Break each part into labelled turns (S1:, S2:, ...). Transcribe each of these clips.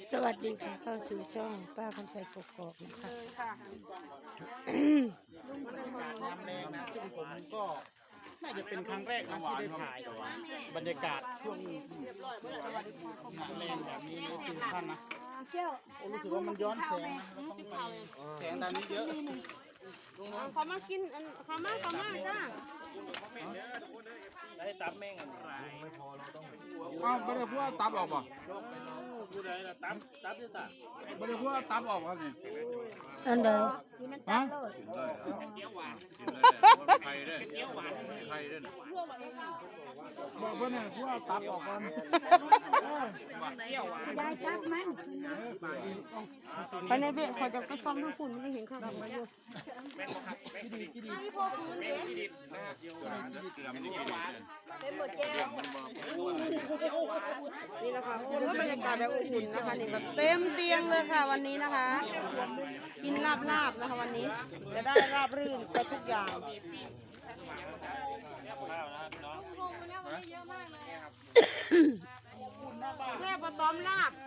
S1: สวัสดีค่ะเข้าสู่ช่องป้าคำใจกกอกนะคะ
S2: น้ำแรงนะซึ่งผมก็น่าจะเป็นครั้งแรกนะที่ได้ถ่ายบรรยากาศช่วงน้ำแรงแบบนี้นะทุกท่านนะโอ้รู้สึกว่ามันย้อนแสงนะเราต้องไปแสงด้านนี้เยอะ
S3: เขามากินเขามาจ้า
S2: ได้ตับแม่งอะไร
S4: อ้าวไม่ได้พูดว่าตับออกป่ะ
S2: พูดอะไรล่ะตับที่สั่ง
S4: ไม่ได้พูดว่าตับออกครับนี่
S1: อันเดิม
S4: ฮะ
S5: ไข่ด้วยไข่ด้วย
S4: บอกเพื่อนเนี่ยพูดว่าตับออกก่อน
S3: ยายจับมันไปในเบะขอจะไปซ่อมทั้งฝุ่นไม่เห็นข้าวมาอยู่นี่นะคะคุณว่าบรรยากาศแบบอบอุ่นนะคะนี่แบบเต็มเตียงเลยค่ะวันนี้นะคะ กินลาบนะคะวันนี้จะได้ราบรื่นไปทุกอย่างแค่ปลาต้อมลาบ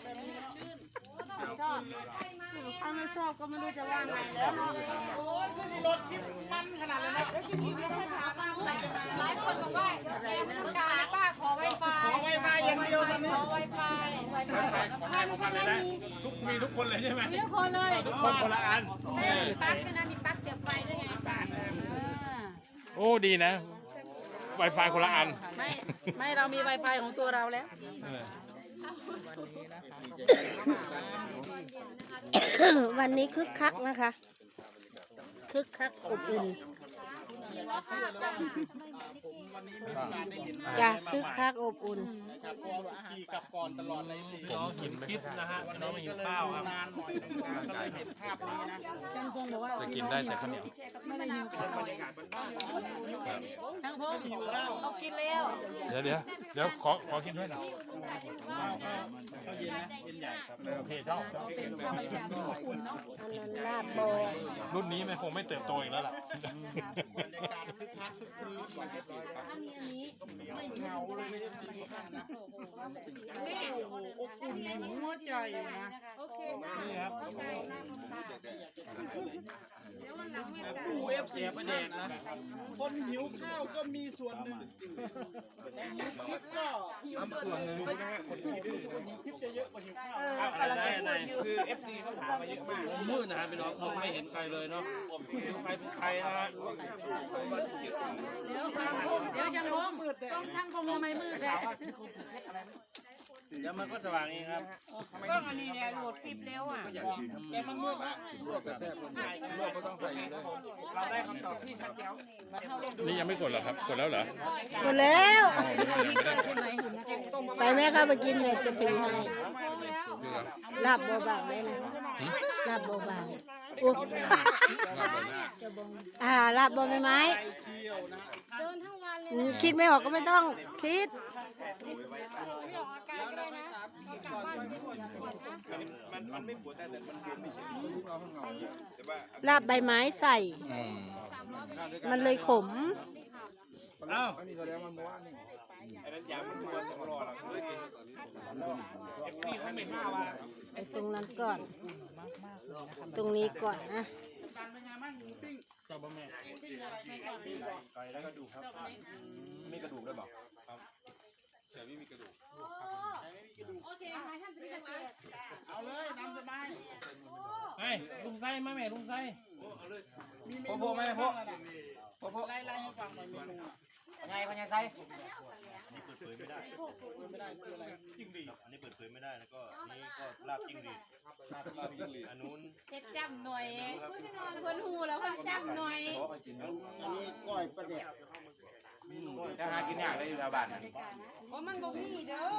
S3: ชอบถ้าไม่ชอบก็ไม่รู้จะว่าไงแล้วเนาะโอ้ยคือรถที่มันขนาดเลยนะแล้วจะมีแล้วให้ถามมันหลายคนบอกว่าแกไม่ต้องการป้าขอไวไฟอย่างเดียวตอนนี้ขอไวไฟ
S5: มีทุกคนเลยใช่ไหม
S3: ทุกคนเลย
S5: ทุกคนคนละอัน
S3: มีปลั๊กด้วยนะมีปลั๊กเสียบไฟด้วยไง
S5: โอ้ดีนะ Wi-Fi คนละอัน
S3: ไม่เรามี Wi-Fi ของตัวเราแล้ว
S1: วันนี้คึกคักนะคะคึกคักอบอุ่นจ้ะคึกคักอบอุ่น
S2: ขี่กลับก่อนตลอดเลยสิ
S5: น้องกินคลิปนะฮะน้องมาหิวข้าวครับ
S2: นานหน่อยก็เลยเห็นภาพนี้นะ
S5: จะกินได้แต่ข้าวเหนียว
S3: ทั้งพงเขากินแล้ว
S5: เดี๋ยวขอกินด้วยนะ
S2: ก็เย็นนะเย็นใหญ่ครับ
S5: โอเคชอบ
S1: อันนั้นลาบโบ
S5: รุ่นนี้มันคงไม่เติบโตอีกแล้วล่ะ
S2: บรรยากาศคึกคักคึกคืนกว่าเรียบร้อยครับไม่เหงาเลยไม่ได้สีกันนะแม่โอ้โหอบอุ่นหัวใจนะโอเคนี่ครับดูFC ประเด็นนะคนหิวข้าวก็มีส่วนหนึ่งแต่หิวคลิปก็หิวส่วนหนึ่งคนที่ดื้อหิวคลิปจะเยอะกว่าหิวข้าวอะไรคือ FC เขาถามมาเยอะมากมืดนะฮะพี่น้องผมไม่เห็นใครเลยเนาะใครเป็นใครนะฮะ
S3: เดี๋ยวช่างพงต้องช่างพงทำไมมืดแท้
S2: เดี๋ยวมันก็สว่างเองครับ
S3: กล้องอันนี้เนี่ยโหลดคลิปเร็วอ่ะ
S2: แต่มันมืดนะลวกกระแทกคนไทยลวกก็ต้องใส่เลยเราได้คำตอบที่ชัดเจน
S5: นี่ยังไม่กดเหรอครับ กดแล้วเหรอ
S1: หมดแล้วไปแม่เข้าไปกินเลยจะถึงให้ลาบโบบางได้นะลาบโบบางโอ้ลาบโบใบไม้คิดไม่ออกก็ไม่ต้องคิดลาบใบไม้ใส่ มันเลยขม
S2: อ้าว
S1: ไปตรงนั้นก่อน ตรงนี้ก่อนนะ
S2: เจ้าบ่แม่
S5: มีกระดูกด้วยเปล่า
S2: เอาเลยน้ำสบายไอ้ลุงไส้มาแม่ลุงไส้พ่อแม่พ่อไล่ให้ฟังหน่อยเมนูไงพญาไส้
S6: นี่เปิดเผยไม่ได้คืออะไรจิ้งหรีดอันนี้เปิดเผยไม่ได้แล้วก็นี่ก็ลาบจิ้งหรีดอันนู้น
S3: เฮ็ดจำหน่อยคนหูแล้วคนจำหน่อย
S2: อันนี้ก้อยปลาเด็ก
S4: จะหากินยากเลยอยู่แถวบ้าน
S3: เพราะมันบ่มีเด้อ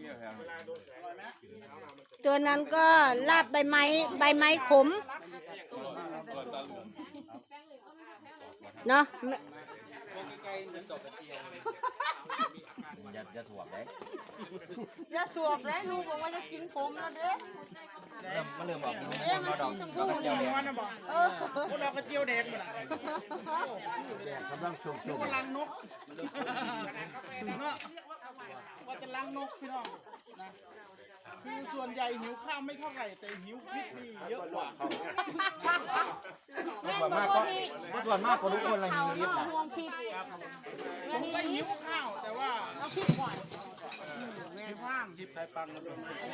S1: ตัวนั้นก็ลาบใบไม้ขมเนาะ
S4: จะถ่วงได้
S3: อย่าสวบเลยลูกบอกว่าจะกินผมแล้วเด้อ
S4: มันเริ่มออก
S3: มันสีชมพูเนี่ย
S2: มันนะบอกพวกเราก็เจียวแดงหมด
S4: กำลังสุ่ม
S2: กำลังนกเนาะว่าจะล้างนกพี่น้องนะคือส่วนใหญ่หิวข้าวไม่เท่าไหร่แต่หิวพริกนี่เยอะกว่าเขา
S3: ส่วนมากก็ทุกคนละหิวเนาะห่วงพริก
S2: ผมก็หิวข้าวแต่ว่า
S3: เอาพริกก่อนแม่ว่าง
S4: จิบไข่ปังแล้วก็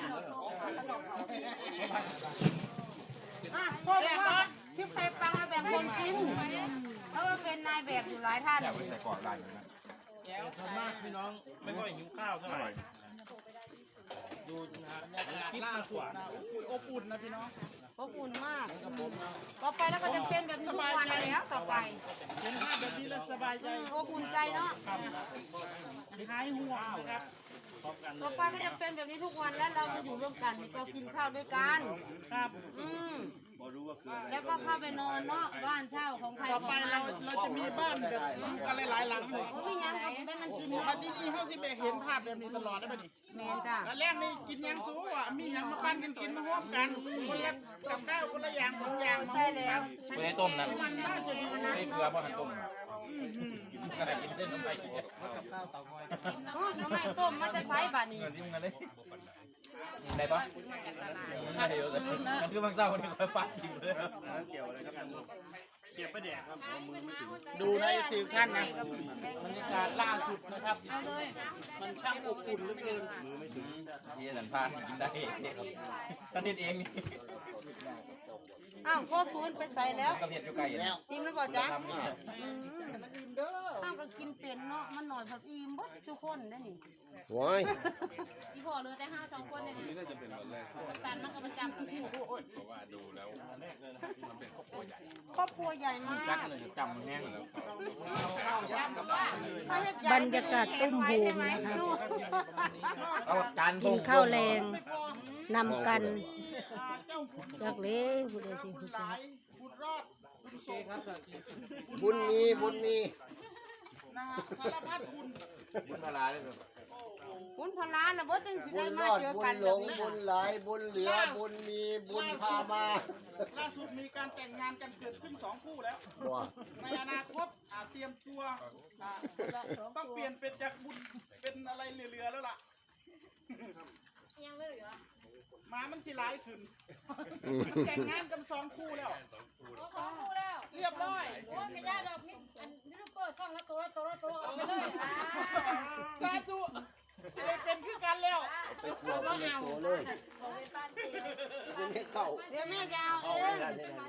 S3: พ่อบอกว่าพริกไข่ปังมาแบ่งคนกินเพราะว่าเป็นนายแบบอยู่หลายท่าน
S4: ส่วนมากพี่น้องไม่ค่อยหิวข้าวเท่าไหร่ดูนะคิดมากกว่า
S2: อบอุ่นนะพี่น้อง
S3: อบอุ่นมากต่อไปแล้วก็จะเป็นแบบนี้ทุกวันแล้วต่อไป
S2: เห็นภาพแบบนี้แล้วสบายใจ
S3: อบอุ่นใจเนาะ
S2: หายห่วงนะครับ
S3: ต่อไปก็จะเป็นแบบนี้ทุกวันแล้วเราจะอยู่ร่วมกันเรากินข้าวด้วยกัน
S2: ครับ
S6: พอรู้ว่าคืออะไร
S3: แล้วก็เข้าไปนอนเนาะบ้านเช่าของใคร
S2: ต่อ
S3: ของ
S2: ไป
S3: มัน
S2: เราจะมีบ้านแบบกันหลายๆหลังเลย
S3: ไม่ยังก็แบ่งกันกิน
S2: มาที่นี่เขาสิไปเห็นภาพแบบนี้ตลอดได้ป่ะนี่
S3: แม่จ้า
S2: แล้วแรกนี่กินยังสู้อ่ะมียังมาปั้นกันกินมาร่วมกันคนละกับข้าวคนละอย่าง2อย่างมา
S3: ใช่แล้ว
S5: ไม่ได้ต้มนะ
S2: มันน่าจะดีนะ
S5: ไม่เกลือเพราะหันต้มกระดาษกินเล่นน้ำไปกิน
S3: โอ้น้ำไม่ต้มมันจะใช้บานี้
S5: เงินที่มึงกันเลยได้ปะไม่ได้เยอะเลยมันคือบางเจ้าคนนี้คอยปั้นจริงเลย
S6: เกี่ยวอะไรครับ
S4: เก็บไปแดกครับ
S2: ดูในสิท่านนะบรรยากาศล่าสุดนะครับ
S3: เอาเลย
S2: มันช่างอบอุ่นเหลือเกิน
S5: ยี่สันพานกินได้ครับท่านนิดเองนี่
S3: อ้าวพ่อฟื้นไปใส่แล้ว
S5: กระเพียดอยู่ไกลแล้ว
S3: จริงหรือเปล่าจ๊ะ
S2: เด้อ
S3: อ้าวก็กินเป็นเนาะมันหน่อยผักอิ่มบดทุกคนได้นี่
S7: ว้าย
S3: อีพ่อเหลือแต่5 2คนเลยนี่ตันมันก็ประจำแล้วครอบครัวใหญ่มาก
S5: จักเลยจำมันแห้งแล้ว
S1: บรรยากาศตุ้มโฮมนะคะ
S5: เอาจาน
S1: กินข้าวแรงนำกันจากเล่ผู้ใดสิผู้จัก
S2: บุญรอดบุญโสม
S7: บุญมีบุญมี
S2: นะฮะสารพัดบุญ
S5: บุญพลาเลยครับ
S3: คุณพลานนะบ่จังสิ
S7: บุ
S3: ได้
S7: ญร
S3: มา
S7: อด
S3: เจอ
S7: บุ
S3: กั
S7: ญ
S3: น
S7: หล
S3: แบบ
S7: ง
S3: นี้
S7: บุญไหลบุญเหลือบุญมีบุญพามา
S2: ล่าสุดมีการแต่งงานกันเกิดขึ้น2คู่แล้ว
S7: ว้า
S2: ในอนาคตเตรียมตัวต้องเปลี่ยนเป็นจากบุญเป็นอะไรเหลือๆแล้วล่ะมามันสิร้ายขึ้นแต่งงานกัน2คู่แล้ว
S3: 2 คู่แล้ว
S2: เรียบร้อย
S3: โอ้ยไม่ยากดอกนี่อันยูทูบเบอร์ซ่องละตัวเอาไปเลย
S2: สาธุได้เป็นคือกันแล้ว
S7: ไปขวบไปเลยโตเลยจะไม่เข้า
S3: เดี๋ยวแม่จะเอาเอ
S7: เข้าไม่
S3: ง
S7: ได้เลยนะ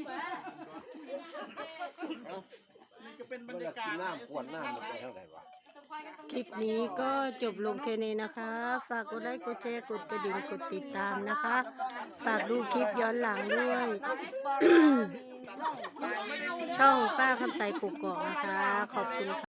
S2: นี่ก็เป็นบร
S7: มัน
S2: ร
S7: จะ
S2: ยากา
S7: กิ
S2: ศ
S7: นน้ำขวดน้ำมันไปเท่าไหร่วะ
S1: คลิปนี้ก็จบลงแค่นี้นะคะ ฝากกดไลค์กดแชร์กดกระดิ่งกดติดตามนะคะ ฝากดูคลิปย้อนหลังด้วย ช่องป้าคำใสกุกกอกนะคะ ขอบคุณค่ะ